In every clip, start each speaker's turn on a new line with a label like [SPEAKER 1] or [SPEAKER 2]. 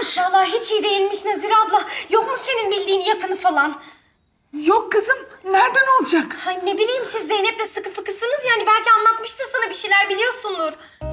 [SPEAKER 1] yapmış?
[SPEAKER 2] Vallahi hiç iyi değilmiş Nazire abla. Yok mu senin bildiğin yakını falan?
[SPEAKER 1] Yok kızım, nereden olacak?
[SPEAKER 2] Ay ne bileyim siz Zeynep'le sıkı fıkısınız yani belki anlatmıştır sana bir şeyler biliyorsundur.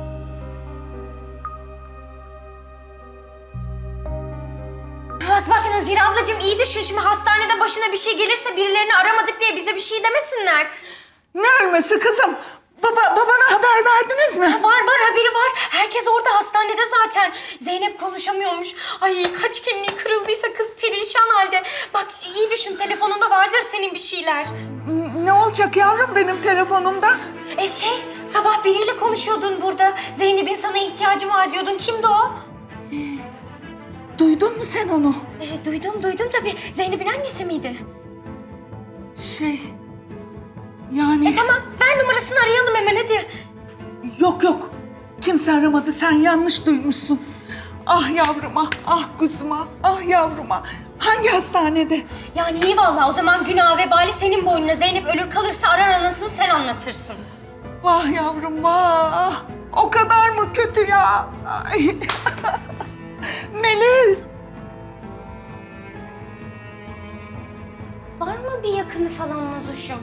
[SPEAKER 2] Bak Nazire ablacığım iyi düşün şimdi hastanede başına bir şey gelirse birilerini aramadık diye bize bir şey demesinler.
[SPEAKER 1] Ne ölmesi kızım? Babana haber verdiniz mi?
[SPEAKER 2] Var haberi var. Herkes orada hastanede zaten. Zeynep konuşamıyormuş. Ay kaç kemiği kırıldıysa kız perişan halde. Bak iyi düşün telefonunda vardır senin bir şeyler.
[SPEAKER 1] Ne olacak yavrum benim telefonumda?
[SPEAKER 2] Sabah biriyle konuşuyordun burada. Zeynep'in sana ihtiyacı var diyordun. Kimdi o?
[SPEAKER 1] Duydun mu sen onu?
[SPEAKER 2] Duydum tabii. Zeynep'in annesi miydi?
[SPEAKER 1] Yani...
[SPEAKER 2] Tamam ver numarasını arayalım hemen hadi.
[SPEAKER 1] Yok. Kimse aramadı, sen yanlış duymuşsun. Ah yavruma, ah kuzuma, ah yavruma. Hangi hastanede?
[SPEAKER 2] Yani iyi vallahi o zaman günah vebali senin boynuna. Zeynep ölür kalırsa arar anasını sen anlatırsın.
[SPEAKER 1] Vah yavrum vah. O kadar mı kötü ya? Ay. Melis.
[SPEAKER 2] Var mı bir yakını falan Nazoş'um?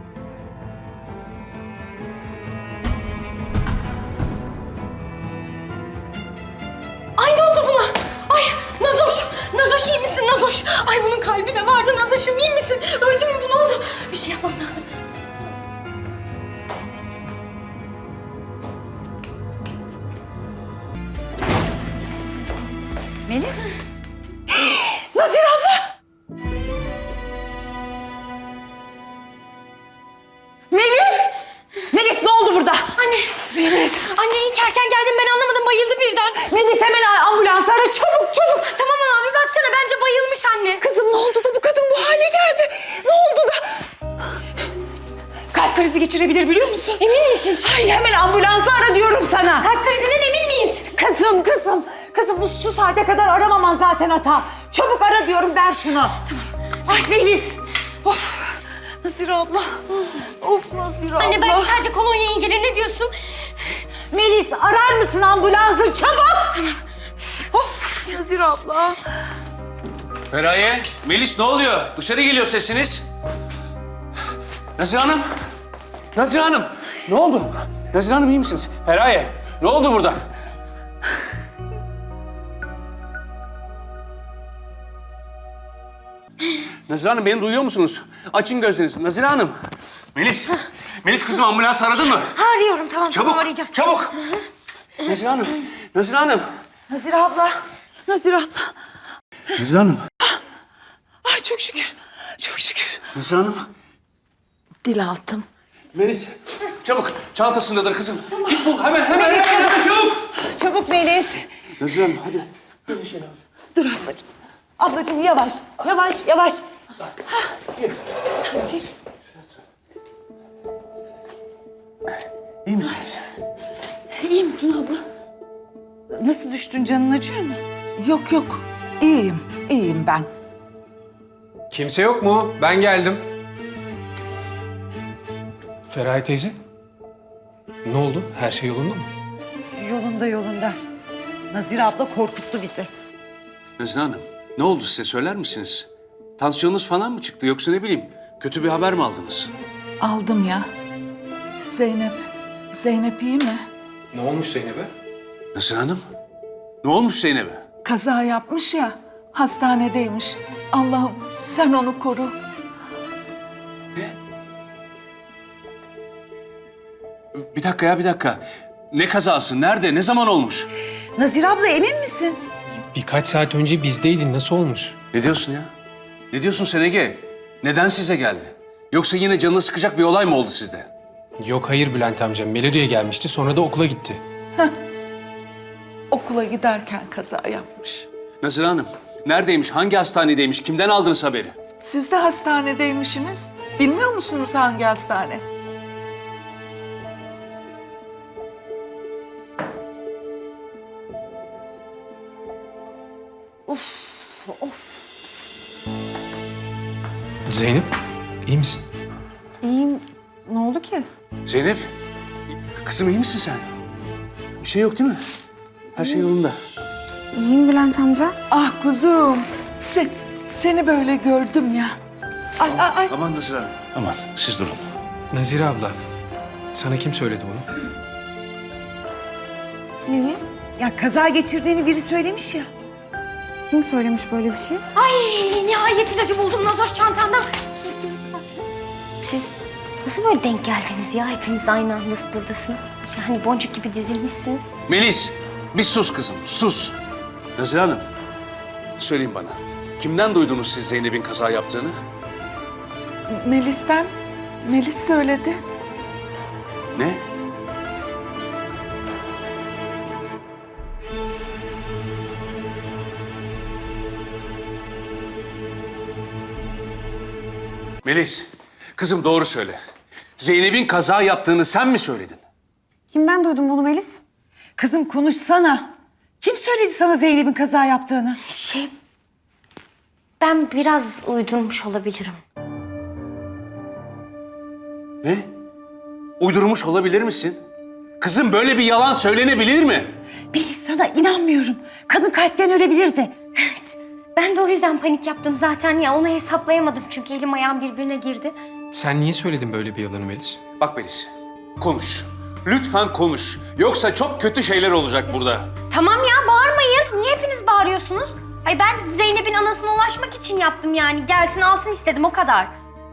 [SPEAKER 2] Ay ne oldu buna? Ay Nazoş iyi misin Nazoş? Ay bunun kalbine vardı Nazoş'um iyi misin? Öldü mü bu ne oldu? Bir şey yapmam lazım.
[SPEAKER 1] Melis. Nazire abla. Melis ne oldu burada?
[SPEAKER 2] Anne.
[SPEAKER 1] Melis.
[SPEAKER 2] Anne inkerken geldim ben anlamadım bayıldı birden.
[SPEAKER 1] Melis hemen ambulans ara çabuk.
[SPEAKER 2] Tamam abi baksana bence bayılmış anne.
[SPEAKER 1] Kızım ne oldu da bu kadın bu hale geldi? Ne oldu da? Kalp krizi geçirebilir biliyor musun?
[SPEAKER 2] Emin misin?
[SPEAKER 1] Ay hemen ambulansı ara diyorum sana.
[SPEAKER 2] Kalp krizinden emin miyiz?
[SPEAKER 1] Kızım bu şu saate kadar aramaman zaten hata. Çabuk ara diyorum ver şunu. Tamam. Ay Melis. Of. Nazire abla. Of Nazire abla.
[SPEAKER 2] Anne belki sadece kolonya iyi gelir ne diyorsun?
[SPEAKER 1] Melis arar mısın ambulansı çabuk? Tamam. Of Nazire abla.
[SPEAKER 3] Feraye, Melis ne oluyor? Dışarı geliyor sesiniz. Nazire Hanım. Nazire Hanım. Ne oldu? Nazire Hanım iyi misiniz? Feraye, ne oldu burada? Nazire Hanım beni duyuyor musunuz? Açın gözlerinizi. Nazire Hanım. Melis kızım ambulans aradın mı?
[SPEAKER 2] Arıyorum tamam arayacağım.
[SPEAKER 3] Çabuk. Nazire Hanım.
[SPEAKER 1] Nazire abla. Nazire
[SPEAKER 3] Hanım.
[SPEAKER 1] Ay çok şükür.
[SPEAKER 3] Nazire Hanım.
[SPEAKER 1] Dil altım.
[SPEAKER 3] Melis, çabuk. Çantasındadır kızım. Git bul hemen çabuk.
[SPEAKER 1] Çabuk Melis.
[SPEAKER 3] Nazire Hanım hadi.
[SPEAKER 1] Dur ablacığım. Ablacığım yavaş. Çek.
[SPEAKER 3] İyi misiniz?
[SPEAKER 1] İyi misin abla? Nasıl düştün? Canın acıyor mu? Yok. İyiyim ben.
[SPEAKER 4] Kimse yok mu? Ben geldim. Feraye teyze. Ne oldu? Her şey yolunda mı?
[SPEAKER 1] Yolunda. Nazire abla korkuttu bizi.
[SPEAKER 3] Nazire Hanım, ne oldu size söyler misiniz? Tansiyonunuz falan mı çıktı yoksa ne bileyim kötü bir haber mi aldınız?
[SPEAKER 1] Aldım ya. Zeynep iyi mi?
[SPEAKER 4] Ne olmuş Zeynep'e?
[SPEAKER 3] Nazire Hanım, ne olmuş Zeynep'e?
[SPEAKER 1] Kaza yapmış ya. Hastanedeymiş. Allah'ım sen onu koru.
[SPEAKER 3] Bir dakika. Ne kazası? Nerede? Ne zaman olmuş?
[SPEAKER 1] Nazire abla emin misin?
[SPEAKER 4] Birkaç saat önce bizdeydin. Nasıl olmuş?
[SPEAKER 3] Ne diyorsun ya? Ne diyorsun sen Ege? Neden size geldi? Yoksa yine canını sıkacak bir olay mı oldu sizde?
[SPEAKER 4] Yok hayır Bülent amca. Melodi'ye gelmişti. Sonra da okula gitti.
[SPEAKER 1] Okula giderken kaza yapmış.
[SPEAKER 3] Nazire Hanım, neredeymiş? Hangi hastanedeymiş? Kimden aldınız haberi?
[SPEAKER 1] Siz de hastanedeymişsiniz. Bilmiyor musunuz hangi hastane?
[SPEAKER 4] Zeynep, iyi misin?
[SPEAKER 1] İyiyim. Ne oldu ki?
[SPEAKER 3] Zeynep, kızım iyi misin sen? Bir şey yok değil mi? Her şey yolunda.
[SPEAKER 5] İyiyim Bülent amca.
[SPEAKER 1] Ah kuzum. Seni böyle gördüm ya. Ay.
[SPEAKER 3] Aman Nazire Hanım. Aman siz durun.
[SPEAKER 4] Nazire abla, sana kim söyledi bunu?
[SPEAKER 5] Neyi?
[SPEAKER 1] Ya kaza geçirdiğini biri söylemiş ya.
[SPEAKER 5] Kim söylemiş böyle bir şey?
[SPEAKER 2] Ay nihayet ilacı buldum Nazoş çantamda. Siz nasıl böyle denk geldiniz ya? Hepiniz aynı anda buradasınız. Yani boncuk gibi dizilmişsiniz.
[SPEAKER 3] Melis, bir sus kızım, sus. Nazire Hanım, söyleyin bana. Kimden duydunuz siz Zeynep'in kaza yaptığını?
[SPEAKER 1] Melis'ten. Melis söyledi.
[SPEAKER 3] Ne? Melis, kızım doğru söyle. Zeynep'in kaza yaptığını sen mi söyledin?
[SPEAKER 5] Kimden duydun bunu Melis?
[SPEAKER 1] Kızım konuşsana. Kim söyledi sana Zeynep'in kaza yaptığını?
[SPEAKER 2] Ben biraz uydurmuş olabilirim.
[SPEAKER 3] Ne? Uydurmuş olabilir misin? Kızım böyle bir yalan söylenebilir mi?
[SPEAKER 1] Melis sana inanmıyorum. Kadın kalpten ölebilirdi.
[SPEAKER 2] Ben de o yüzden panik yaptım zaten ya. Onu hesaplayamadım çünkü elim ayağım birbirine girdi.
[SPEAKER 4] Sen niye söyledin böyle bir yalanı Melis?
[SPEAKER 3] Bak Melis, konuş. Lütfen konuş. Yoksa çok kötü şeyler olacak burada.
[SPEAKER 2] Tamam ya bağırmayın. Niye hepiniz bağırıyorsunuz? Ay ben Zeynep'in anasına ulaşmak için yaptım yani. Gelsin alsın istedim o kadar.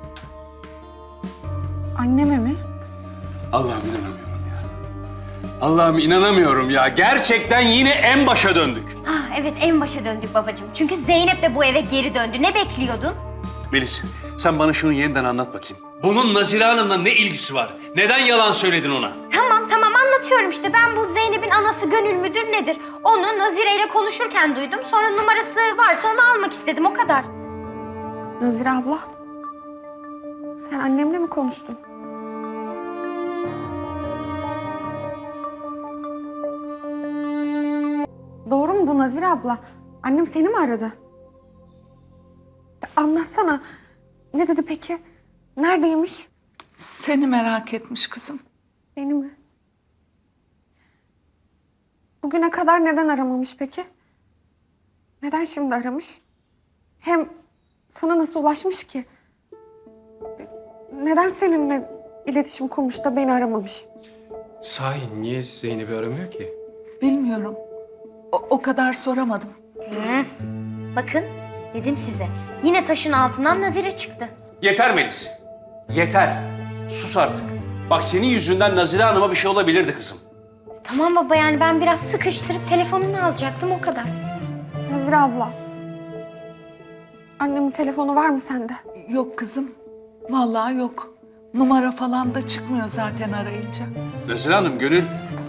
[SPEAKER 5] Anneme mi?
[SPEAKER 3] Allah'ım inanamıyorum ya. Allah'ım inanamıyorum ya. Gerçekten yine en başa döndük.
[SPEAKER 2] Ah evet en başa döndük babacığım. Çünkü Zeynep de bu eve geri döndü. Ne bekliyordun?
[SPEAKER 3] Melis, sen bana şunu yeniden anlat bakayım. Bunun Nazire Hanım'la ne ilgisi var? Neden yalan söyledin ona?
[SPEAKER 2] Tamam anlatıyorum işte. Ben bu Zeynep'in anası Gönül müdür nedir? Onu Nazire ile konuşurken duydum. Sonra numarası varsa onu almak istedim o kadar.
[SPEAKER 5] Nazire abla. Sen annemle mi konuştun? Doğru mu bu Nazire abla? Annem seni mi aradı? Anlatsana. Ne dedi peki? Neredeymiş?
[SPEAKER 1] Seni merak etmiş kızım.
[SPEAKER 5] Beni mi? Bugüne kadar neden aramamış peki? Neden şimdi aramış? Hem sana nasıl ulaşmış ki? Neden seninle iletişim kurmuş da beni aramamış?
[SPEAKER 4] Sahi niye Zeynep'i aramıyor ki?
[SPEAKER 1] Bilmiyorum. O kadar soramadım.
[SPEAKER 2] Bakın dedim size. Yine taşın altından Nazire çıktı.
[SPEAKER 3] Yeter Melis. Yeter. Sus artık. Bak senin yüzünden Nazire Hanım'a bir şey olabilirdi kızım.
[SPEAKER 2] Tamam baba yani ben biraz sıkıştırıp telefonunu alacaktım o kadar.
[SPEAKER 5] Nazire abla. Annemin telefonu var mı sende?
[SPEAKER 1] Yok kızım. Vallahi yok. Numara falan da çıkmıyor zaten arayınca.
[SPEAKER 3] Nazire Hanım, Gönül...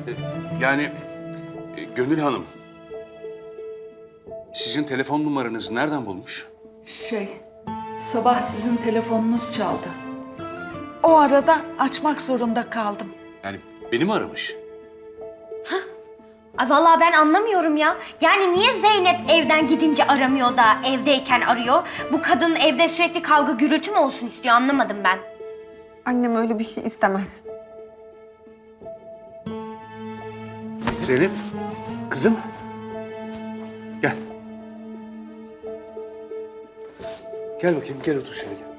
[SPEAKER 3] Gönül Hanım. Sizin telefon numaranızı nereden bulmuş?
[SPEAKER 1] Sabah sizin telefonunuz çaldı. O arada açmak zorunda kaldım.
[SPEAKER 3] Yani beni mi aramış?
[SPEAKER 2] Ay vallahi ben anlamıyorum ya. Yani niye Zeynep evden gidince aramıyor da evdeyken arıyor? Bu kadın evde sürekli kavga gürültü mü olsun istiyor anlamadım ben.
[SPEAKER 5] Annem öyle bir şey istemez.
[SPEAKER 3] Zeynep, kızım. Gel. Gel bakayım, gel otur şöyle gel.